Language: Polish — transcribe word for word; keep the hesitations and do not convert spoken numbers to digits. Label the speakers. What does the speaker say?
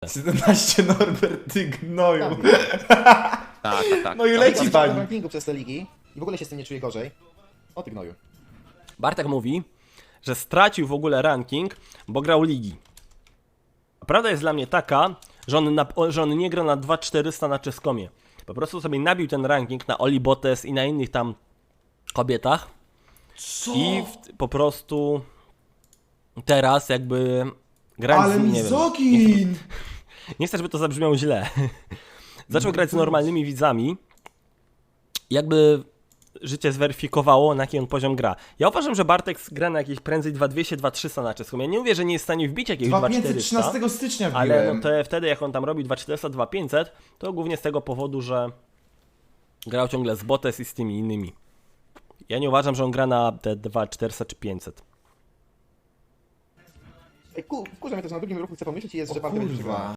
Speaker 1: siedemnaście Norbert, ty gnoju.
Speaker 2: Tak, tak, tak.
Speaker 1: No i
Speaker 2: tak.
Speaker 1: leci
Speaker 3: W
Speaker 1: pani.
Speaker 3: rankingu przez te ligi i w ogóle się z tym nie czuję gorzej. O ty gnoju.
Speaker 4: Bartek mówi, że stracił w ogóle ranking, bo grał ligi. A prawda jest dla mnie taka, że on, na, że on nie gra na dwa tysiące czterysta na Czeskomie. Po prostu sobie nabił ten ranking na Oli Botes i na innych tam kobietach.
Speaker 1: Co?
Speaker 4: I w, po prostu teraz jakby grając
Speaker 1: Ale
Speaker 4: z nim, nie wiem,
Speaker 1: mizogin!
Speaker 4: nie chcę, żeby to zabrzmiało źle. Zaczął grać z normalnymi widzami. Jakby życie zweryfikowało, na jaki on poziom gra. Ja uważam, że Bartek gra na jakieś prędzej dwa dwieście, dwa trzysta na czeską. Ja nie mówię, że nie jest w stanie wbić jakiegoś
Speaker 1: dwa
Speaker 4: dwa
Speaker 1: tysiące
Speaker 4: czterysta.
Speaker 1: trzynastego stycznia wbiłem.
Speaker 4: Ale no to wtedy, jak on tam robił dwa czterysta, dwa pięćset, to głównie z tego powodu, że grał ciągle z Botes i z tymi innymi. Ja nie uważam, że on gra na te dwa czterysta czy pięćset.
Speaker 3: Ej, ku, wkurza mnie to, że na drugim ruchu chcę pomyśleć i jest,
Speaker 1: O
Speaker 3: że Bartek będzie
Speaker 1: kurwa.
Speaker 3: przegrany.